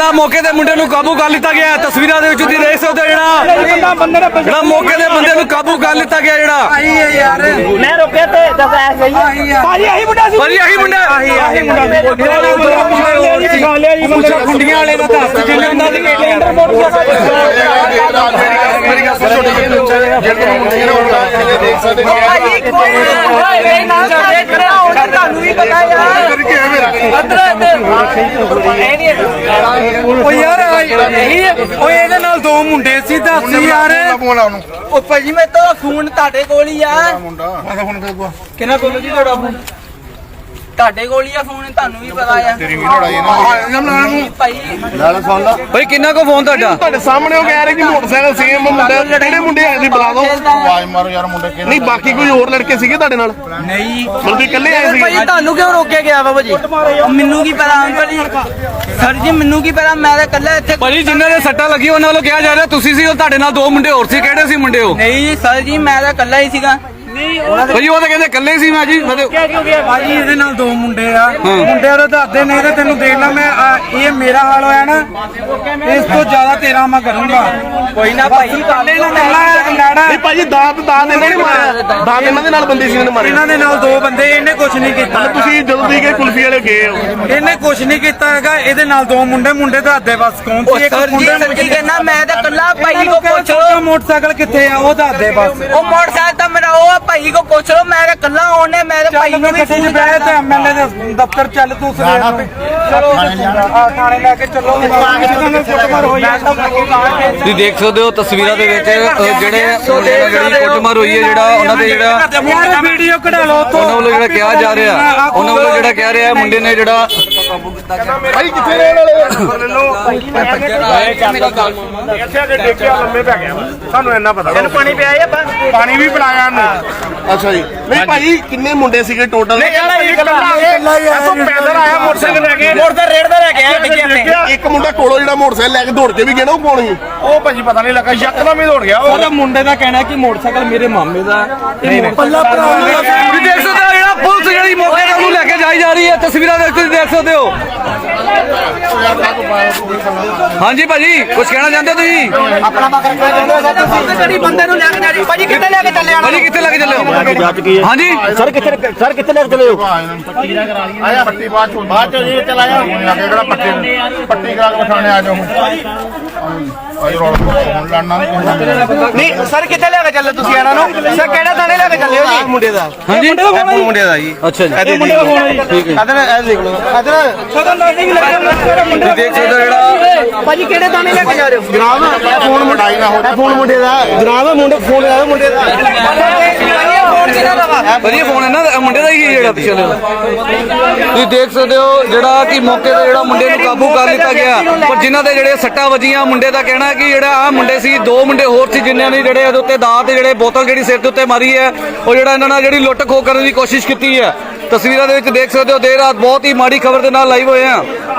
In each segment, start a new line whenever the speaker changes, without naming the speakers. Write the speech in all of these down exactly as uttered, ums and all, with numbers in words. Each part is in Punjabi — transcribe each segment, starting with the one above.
ਜਿਹੜਾ ਮੌਕੇ ਦੇ ਮੁੰਡੇ ਨੂੰ ਕਾਬੂ ਕਰ ਲਿੱਤਾ ਗਿਆ। ਤਸਵੀਰਾਂ ਦੇ ਵਿੱਚ ਤੁਸੀਂ ਦੇਖ ਸਕਦੇ ਹੋ ਜਿਹੜਾ ਜਿਹੜਾ ਮੌਕੇ ਦੇ ਬੰਦੇ ਨੂੰ ਕਾਬੂ ਕਰ ਲਿੱਤਾ ਗਿਆ। ਜਿਹੜਾ
ਮੈਂ ਰੁਕਿਆ ਤੇ ਦੱਸ ਐ ਗਈ ਭਾਜੀ ਆਹੀ ਮੁੰਡਾ ਸੀ
ਭਾਜੀ ਆਹੀ ਮੁੰਡਾ
ਆਹੀ ਆਹੀ ਮੁੰਡਾ
ਖੁੰਡੀਆਂ ਵਾਲੇ ਦਾ ਦੱਸ ਜਿੰਨੇ ਉਹਨਾਂ ਦੀ ਮੇਰੀ ਗੱਲ ਸੁਣੋ
ਭਾਜੀ ਕੋਈ ਨਾ ਸਾਡੇ ਕਰਾਉਣਾ ਤੁਹਾਨੂੰ ਵੀ ਪਤਾ ਯਾਰ
ਓ ਯਾਰ ਓਏ ਇਹਦੇ ਨਾਲ ਦੋ ਮੁੰਡੇ ਸੀ ਦੱਸ ਯਾਰ।
ਉਹ ਭਾਜੀ ਮੈਂ ਤਾਂ ਫੋਨ ਤੁਹਾਡੇ ਕੋਲ ਹੀ ਆ।
ਕਿਹਨਾਂ ਕੋਲ ਜੀ ਤੁਹਾਡਾ ਫੋਨ?
ਤੁਹਾਡੇ ਕੋਲ ਹੀ ਆ ਫੋਨ, ਤੁਹਾਨੂੰ ਵੀ ਪਤਾ ਆ
ਤੇਰੀ ਵੀ ਲੜਾਈ ਨਾ
ਭਾਈ।
ਨਾਲ ਸੁਣ ਲਾ
ਭਾਈ ਕਿੰਨਾ ਕੋ ਫੋਨ ਤੁਹਾਡਾ?
ਤੁਹਾਡੇ ਸਾਹਮਣੇ ਉਹ ਕਹਿ ਰਹੇ ਕਿ ਮੋਟਰਸਾਈਕਲ ਸੇਮ ਮੁੰਡੇ ਕਿਹੜੇ ਮੁੰਡੇ ਆਏ ਸੀ ਬੁਲਾ ਦਿਓ। ਆਵਾਜ਼ ਮਾਰੋ ਯਾਰ ਮੁੰਡੇ ਕਿਹਨੇ ਨਹੀਂ ਬਾਕੀ ਕੋਈ ਹੋਰ ਲੜਕੇ ਸੀਗੇ ਤੁਹਾਡੇ ਨਾਲ?
ਨਹੀਂ
ਮਤਲਬ ਤੁਸੀਂ ਇਕੱਲੇ ਆਏ ਸੀ?
ਭਾਜੀ ਤੁਹਾਨੂੰ ਕਿਉਂ ਰੋਕਿਆ ਗਿਆ ਵਾ ਭਾਜੀ? ਮੈਨੂੰ ਕੀ ਪਤਾ ਅੰਕਲ ਜੀ, ਸਰ ਜੀ ਮੈਨੂੰ ਕੀ ਪਤਾ, ਮੈਂ ਤਾਂ ਇਕੱਲਾ ਇੱਥੇ।
ਭਾਜੀ ਜਿਨ੍ਹਾਂ ਦੇ ਸੱਟਾਂ ਲੱਗੀ ਉਹਨਾਂ ਵੱਲੋਂ ਕਿਹਾ ਜਾ ਰਿਹਾ ਤੁਸੀਂ ਸੀ, ਉਹ ਤੁਹਾਡੇ ਨਾਲ ਦੋ ਮੁੰਡੇ ਹੋਰ ਸੀ। ਕਿਹੜੇ ਸੀ ਮੁੰਡੇ ਉਹ?
ਨਹੀਂ ਸਰ ਜੀ ਮੈਂ ਤਾਂ ਇਕੱਲਾ ਹੀ ਸੀਗਾ।
ਭਾਜੀ ਉਹ ਤਾਂ ਕਹਿੰਦੇ ਇਕੱਲੇ ਸੀ। ਮੈਂ ਜੀ
ਭਾਜੀ ਇਹਦੇ ਨਾਲ ਦੋ ਮੁੰਡੇ ਆ, ਮੁੰਡਿਆਂ ਦੇ ਦੱਸਦੇ ਨੇ ਤੇ ਤੈਨੂੰ ਦੇਖ ਲਾ ਮੈਂ ਆ, ਇਹ ਮੇਰਾ ਹਾਲ ਹੋਇਆ ਨਾ ਇਸ ਤੋਂ ਜ਼ਿਆਦਾ ਤੇਰਾ ਮੈਂ ਕਰੂੰਗਾ।
ਕੋਈ ਨਾ ਭਾਈ
ਕੱਲੇ ਨਾਲ ਲੜਾ
ਨਹੀਂ ਭਾਜੀ ਦਾਤ ਦਾਤ ਇਹਨਾਂ ਨੇ ਮਾਰਿਆ। ਦਾਤ ਇਹਨਾਂ ਦੇ ਨਾਲ ਬੰਦੇ ਸੀ ਇਹਨਾਂ ਨੇ ਮਾਰੇ।
ਇਹਨਾਂ ਦੇ ਨਾਲ ਦੋ ਬੰਦੇ, ਇਹਨੇ ਕੁਝ ਨਹੀਂ ਕੀਤਾ।
ਤੁਸੀਂ ਜਦੋਂ ਤੁਸੀਂ ਗਏ ਕੁਲਫੀ ਵਾਲੇ ਗਏ ਹੋ
ਇਹਨੇ ਕੁਝ ਨਹੀਂ ਕੀਤਾ ਹੈਗਾ। ਇਹਦੇ ਨਾਲ ਦੋ ਮੁੰਡੇ ਮੁੰਡੇ ਦੱਸਦੇ ਬਸ ਕੌਣ ਸੀ। ਇੱਕ
ਸਰ ਜੀ
ਮੁੰਡਾ
ਸਰ ਜੀ ਕਹਿੰਦਾ ਮੈਂ ਤਾਂ ਇਕੱਲਾ ਭਾਈ ਕੋ ਪੁੱਛ ਲੋ।
ਮੋਟਰਸਾਈਕਲ ਕਿੱਥੇ ਆ ਉਹ ਦੱਸਦੇ ਬਸ।
ਉਹ ਮੋਟਰਸਾਈਕਲ ਤਾਂ ਮੇਰਾ ਉਹ ਆ, ਭਾਈ ਕੋ ਪੁੱਛ ਲੋ। ਮੈਂ ਤਾਂ ਇਕੱਲਾ ਆਉਣੇ, ਮੈਂ ਤਾਂ ਭਾਈ ਨੂੰ ਵੀ
ਗੱਡੀ 'ਚ
ਫੋਨ
ਬਹਿ ਤੇ ਐਮਐਲਏ ਦੇ ਦਫ਼ਤਰ ਚੱਲ ਤੂੰ ਸਵੇਰ ਨੂੰ। ਚਲੋ ਆ ਥਾਣੇ ਲੈ ਕੇ ਚੱਲੋ। ਕੁੱਟਮਾਰ ਹੋਈ ਆ।
ਤੁਸੀਂ ਦੇਖ ਸਕਦੇ ਹੋ ਤਸਵੀਰਾਂ ਦੇ ਵਿੱਚ ਅ, ਜਿਹੜੇ ਮੁੰਡੇ ਨਾਲ ਜਿਹੜੀ ਕੁੱਟਮਾਰ ਹੋਈ ਹੈ, ਜਿਹੜਾ ਉਹਨਾਂ ਦੇ ਜਿਹੜਾ
ਯਾਰ ਵੀਡੀਓ ਕਢਾ ਲਓ ਉੱਥੋਂ।
ਉਹਨਾਂ ਵੱਲੋਂ ਜਿਹੜਾ ਕਿਹਾ ਜਾ ਰਿਹਾ ਉਹਨਾਂ ਵੱਲੋਂ ਜਿਹੜਾ ਕਹਿ ਰਿਹਾ ਮੁੰਡੇ ਨੇ ਜਿਹੜਾ
ਭਾਈ ਕਿੱਥੇ ਰਹਿਣ ਵਾਲੇ
ਇੱਥੇ ਆ ਕੇ ਦੇਖਿਆ ਲੰਮੇ ਪੈ ਗਿਆ ਸਾਨੂੰ ਇੰਨਾ ਪਤਾ
ਤੈਨੂੰ ਪਾਣੀ ਪਿਆ ਆ
ਪਾਣੀ ਵੀ ਪਿਲਾਇਆ ਉਹਨੂੰ।
ਅੱਛਾ ਜੀ ਨਹੀਂ ਭਾਈ ਕਿੰਨੇ ਮੁੰਡੇ ਸੀਗੇ ਟੋਟਲ?
ਇਕੱਲਾ ਹੀ ਇਕੱਲਾ ਇੱਥੋਂ ਪੈਦਲ ਆਇਆ ਮੋਟਰਸਾਈਕਲ ਲੈ ਕੇ।
ਮੋਟਰ ਰੇੜ ਦਾ ਲੈ ਕੇ ਆਇਆ ਡਿੱਗਿਆ ਤੇ।
ਇੱਕ ਮੁੰਡਾ ਕੋਲੋਂ ਜਿਹੜਾ ਮੋਟਰਸਾਈਕਲ ਲੈ ਕੇ ਦੌੜ ਕੇ ਵੀ ਗਿਆ ਨਾ ਉਹ ਕੌਣ ਸੀ?
ਉਹ ਭਾਜੀ ਪਤਾ ਨਹੀਂ ਲੱਗਾ ਯਕਦਮ ਹੀ ਦੌੜ ਗਿਆ ਉਹ।
ਉਹਦਾ ਮੁੰਡੇ ਦਾ ਕਹਿਣਾ ਕਿ ਮੋਟਰਸਾਈਕਲ ਮੇਰੇ ਮਾਮੇ ਦਾ। ਪੱਲਾ ਭਰਾ
ਤੁਸੀਂ ਦੇਖ ਸਕਦੇ ਹੋ ਜਿਹੜਾ ਪੁਲਿਸ ਜਿਹੜੀ ਮੌਕੇ ਤੇ ਉਹਨੂੰ ਲੈ ਕੇ ਜਾਈ ਜਾ ਰਹੀ ਹੈ। ਤਸਵੀਰਾਂ ਦੇ ਵਿੱਚ ਤੁਸੀਂ ਦੇਖ ਸਕਦੇ ਹੋ। ਹਾਂਜੀ ਭਾਜੀ ਕੁਝ ਕਹਿਣਾ ਚਾਹੁੰਦੇ ਹੋ ਤੁਸੀਂ?
ਆਪਣਾ ਬੱਕਰਾ ਕਿਹੜੀ ਬੰਦੇ ਨੂੰ ਲੈ ਕੇ ਜਾ ਰਹੀ ਭਾਜੀ? ਕਿੱਥੇ ਲੈ ਕੇ ਚੱਲੇ ਆ?
ਭਾਜੀ ਕਿੱਥੇ ਲੈ ਕੇ ਚੱਲੇ ਹੋ? ਹਾਂਜੀ
ਸਰ ਕਿੱਥੇ ਸਰ ਕਿੱਥੇ ਲੈ ਕੇ ਚਲੇ ਹੋ? ਆਇਆ ਪੱਟੀ ਬਾਅਦ ਚ ਬਾਅਦ ਚ ਜੀ ਚਲਾਇਆ ਕਿਹੜਾ ਪੱਟੀ ਪੱਟੀ ਕਰਾ ਕੇ ਬਿਠਾਣੇ ਆ ਜਾਓ। ਆਈ ਰੋਲ ਹੁਣ ਲੜਨਾ
ਨਹੀਂ ਸਰ ਕਿੱਥੇ ਲੈ ਕੇ ਚੱਲੇ ਤੁਸੀਂ ਇਹਨਾਂ ਨੂੰ? ਸਰ ਕਿਹੜਾ ਥਾਣੇ ਲੈ ਕੇ ਚੱਲੇ ਹੋ ਜੀ?
ਮੁੰਡੇ ਦਾ
ਹਾਂਜੀ
ਮੁੰਡੇ ਦਾ ਜੀ।
ਅੱਛਾ ਜੀ
ਇਹਦੇ ਮੁੰਡੇ ਦਾ ਫੋਨ ਹੈ ਜੀ। ਠੀਕ ਹੈ ਅਦਰ ਇਹ ਦੇਖ ਲਓ ਅਦਰ
ਤੁਸੀਂ ਦੇਖ ਸਕਦੇ ਹੋ ਜਿਹੜਾ
ਭਾਜੀ ਕਿਹੜੇ ਥਾਣੇ ਲੈ ਕੇ ਜਾ ਰਹੇ ਹੋ?
ਜਨਾਬ ਇਹ ਫੋਨ ਮੁੰਡਾਈ ਨਾ ਹੋ ਇਹ ਫੋਨ ਮੁੰਡੇ ਦਾ ਜਨਾਬ ਮੁੰਡੇ ਫੋਨ ਲਾਇਆ ਮੁੰਡੇ ਦਾ
ਵਧੀਆ ਫੋਨ ਹੈ ਨਾ ਮੁੰਡੇ ਦਾ ਹੀ ਜਿਹੜਾ ਪਿੱਛੇ ਵਾਲਾ। ਤੁਸੀਂ ਦੇਖ ਸਕਦੇ ਹੋ ਜਿਹੜਾ ਕਿ ਮੌਕੇ ਤੇ ਜਿਹੜਾ ਮੁੰਡੇ ਨੂੰ ਕਾਬੂ ਕਰ ਲਿੱਤਾ ਗਿਆ, ਪਰ ਜਿਨ੍ਹਾਂ ਦੇ ਜਿਹੜੇ ਸੱਟਾਂ ਵੱਜੀਆਂ ਮੁੰਡੇ ਦਾ ਕਹਿਣਾ ਹੈ ਕਿ ਜਿਹੜਾ ਆ ਮੁੰਡੇ ਸੀ ਦੋ ਮੁੰਡੇ ਹੋਰ ਸੀ ਜਿਨ੍ਹਾਂ ਨੇ ਜਿਹੜੇ ਇਹਦੇ ਉੱਤੇ ਦਾਤ ਤੇ ਜਿਹੜੇ ਬੋਤਲ ਜਿਹੜੀ ਸਿਰ ਦੇ ਉੱਤੇ ਮਾਰੀ ਹੈ, ਉਹ ਜਿਹੜਾ ਇਹਨਾਂ ਨਾਲ ਜਿਹੜੀ ਲੁੱਟ ਖੋਹ ਕਰਨ ਦੀ ਕੋਸ਼ਿਸ਼ ਕੀਤੀ ਹੈ। ਤਸਵੀਰਾਂ ਦੇ ਵਿੱਚ ਦੇਖ ਸਕਦੇ ਹੋ ਦੇਰ ਰਾਤ ਬਹੁਤ ਹੀ ਮਾੜੀ ਖਬਰ ਦੇ ਨਾਲ ਲਾਈਵ ਹੋਏ ਆ।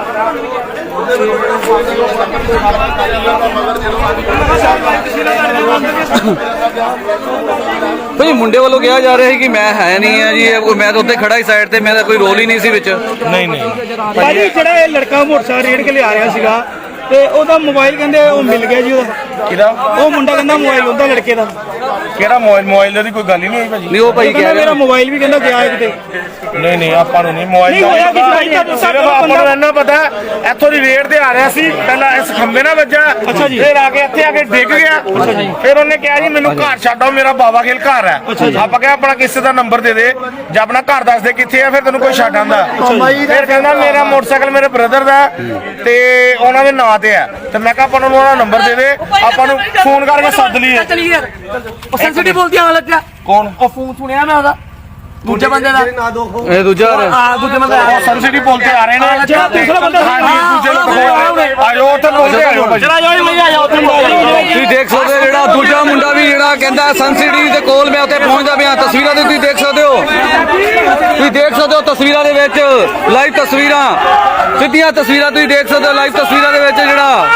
ਭਾਈ ਮੁੰਡੇ ਵੱਲੋਂ ਕਿਹਾ ਜਾ ਰਿਹਾ ਹੈ ਕਿ ਮੈਂ ਹੈ ਨਹੀਂ ਆ ਜੀ, ਮੈਂ ਤਾਂ ਉੱਤੇ ਖੜਾ ਹੀ ਸਾਈਡ ਤੇ, ਮੇਰਾ ਕੋਈ ਰੋਲ ਹੀ ਨਹੀਂ ਸੀ ਵਿੱਚ।
ਨਹੀਂ ਨਹੀਂ
ਭਾਜੀ ਜਿਹੜਾ ਇਹ ਲੜਕਾ ਮੋਟਰਸਾਈਕਲ ਰੇੜ ਕੇ ਲਿਆ ਰਿਹਾ ਸੀਗਾ ਤੇ ਉਹਦਾ ਮੋਬਾਈਲ ਕਹਿੰਦੇ ਉਹ ਮਿਲ ਗਿਆ ਜੀ। ਉਹਦਾ
ਕਿਹਦਾ
ਉਹ ਮੁੰਡਾ ਕਹਿੰਦਾ ਮੋਬਾਈਲ ਉਹਦਾ ਲੜਕੇ ਦਾ।
ਕਿਹੜਾ ਮੋਬਾਈਲ ਮੋਬਾਈਲ ਦੀ ਕੋਈ ਗੱਲ ਹੀ ਨਹੀਂ ਹੋਈ ਭਾਜੀ।
ਨਹੀਂ ਉਹ ਭਾਈ
ਕਹਿੰਦਾ
ਕਹਿ
ਮੇਰਾ
ਰਿਹਾ
ਮੋਬਾਈਲ ਵੀ ਕਹਿੰਦਾ ਗਿਆ ਕਿਤੇ।
ਨਹੀਂ ਨਹੀਂ ਆਪਾਂ ਨੂੰ ਨਹੀਂ ਮੋਬਾਈਲ
ਨਹੀਂ ਹੋਇਆ ਕਿਸੇ ਭਾਈ ਦਾ ਦੱਸਾ
ਸਿਰਫ ਆਪਾਂ ਨੂੰ ਇੰਨਾ ਪਤਾ ਇੱਥੋਂ ਦੀ ਰੇਡ ਤੇ ਆ ਰਿਹਾ ਸੀ, ਪਹਿਲਾਂ ਇਸ ਖੰਭੇ ਨਾਲ ਵੱਜਾ।
ਅੱਛਾ ਜੀ।
ਫਿਰ ਆ ਕੇ ਇੱਥੇ ਆ ਕੇ ਡਿੱਗ ਗਿਆ। ਫਿਰ ਉਹਨੇ ਕਿਹਾ ਜੀ ਮੈਨੂੰ ਘਰ ਛੱਡੋ, ਮੇਰਾ ਬਾਬਾ ਖੇਲ ਘਰ ਹੈ। ਆਪਾਂ ਕਿਹਾ ਆਪਣਾ ਕਿਸੇ ਦਾ ਨੰਬਰ ਦੇ ਦੇ ਜਾਂ ਆਪਣਾ ਘਰ ਦੱਸ ਦੇ ਕਿੱਥੇ ਆ, ਫਿਰ ਤੈਨੂੰ ਕੋਈ ਛੱਡ ਆਂਦਾ। ਫਿਰ ਕਹਿੰਦਾ ਮੇਰਾ ਮੋਟਰਸਾਈਕਲ ਮੇਰੇ ਬ੍ਰਦਰ ਦਾ ਤੇ ਉਹਨਾਂ ਦੇ ਨਾਂ ਤੇ ਹੈ, ਤੇ ਮੈਂ ਕਿਹਾ ਆਪਾਂ ਨੂੰ ਉਹਦਾ ਨੰਬਰ ਦੇ ਦੇ, ਆਪਾਂ ਨੂੰ ਫੋਨ ਕਰਕੇ ਸੱਦ ਲਈਏ।
ਉਹ ਸੈਂਸਿਟਿਵ ਬੋਲਦੀ ਆ ਲੱਗਿਆ
ਕੌਣ?
ਉਹ ਫੋਨ ਸੁਣਿਆ ਮੈਂ ਉਹਦਾ ਦੂਜੇ ਬੰਦੇ ਦਾ।
ਇਹ ਦੂਜਾ ਆ ਰਿਹਾ।
ਹਾਂ ਦੂਜੇ ਬੰਦੇ
ਉਹ ਸਨ ਸਿਟੀ ਪੁਲ ਤੇ ਆ ਰਹੇ ਨੇ।
ਜਿਹੜਾ ਦੂਸਰਾ ਬੰਦਾ ਸੀ।
ਹਾਂਜੀ ਦੂਜੇ ਲੋਕ ਆਇਓ ਉੱਥੇ ਪੁਲ ਤੇ ਆਇਓ ਭਾਜੀ।
ਚਲਾ ਜਾਓ ਮੈਂ ਆਇਆ ਉੱਥੇ
ਤੁਸੀਂ ਦੇਖ ਸਕਦੇ ਹੋ ਜਿਹੜਾ ਦੂਜਾ ਮੁੰਡਾ ਵੀ ਜਿਹੜਾ ਕਹਿੰਦਾ ਸਨ ਸਿਟੀ ਦੇ ਕੋਲ ਮੈਂ ਉੱਥੇ ਪਹੁੰਚਦਾ ਪਿਆ। ਤਸਵੀਰਾਂ ਦੇ ਤੁਸੀਂ ਦੇਖ ਸਕਦੇ ਹੋ ਤੁਸੀਂ ਦੇਖ ਸਕਦੇ ਹੋ ਤਸਵੀਰਾਂ ਦੇ ਵਿੱਚ ਲਾਈਵ ਤਸਵੀਰਾਂ ਸਿੱਧੀਆਂ ਤਸਵੀਰਾਂ ਤੁਸੀਂ ਦੇਖ ਸਕਦੇ ਹੋ ਲਾਈਵ ਤਸਵੀਰਾਂ ਦੇ ਵਿੱਚ ਜਿਹੜਾ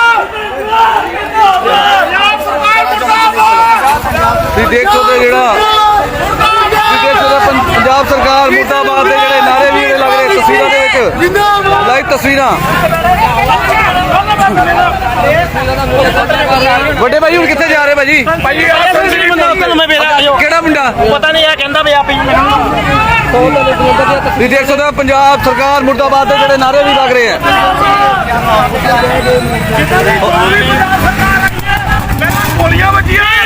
ਤੁਸੀਂ ਦੇਖ ਸਕਦੇ ਹੋ ਜਿਹੜਾ ਤੁਸੀਂ ਦੇਖ ਸਕਦੇ ਹੋ ਪੰਜਾਬ ਸਰਕਾਰ ਮੁਰਦਾਬਾਦ ਦੇ ਜਿਹੜੇ ਨਾਰੇ ਵੀ ਲੱਗ ਰਹੇ ਤਸਵੀਰਾਂ ਦੇ ਵਿੱਚ ਲਾਈਵ ਤਸਵੀਰਾਂ। ਵੱਡੇ ਭਾਈ ਹੁਣ ਕਿੱਥੇ ਜਾ ਰਹੇ ਭਾਜੀ?
ਭਾਈ ਯਾਰ ਸੰਜੀਵ
ਕਿਹੜਾ ਮੁੰਡਾ?
ਪਤਾ ਨਹੀਂ ਇਹ ਕਹਿੰਦਾ ਵੀ ਆਪੇ
ਤੁਸੀਂ ਦੇਖ ਸਕਦੇ ਹੋ ਪੰਜਾਬ ਸਰਕਾਰ ਮੁਰਦਾਬਾਦ ਦੇ ਜਿਹੜੇ ਨਾਰੇ ਵੀ ਲੱਗ ਰਹੇ ਆ।
ਗੋਲੀਆਂ ਵੱਜੀਆਂ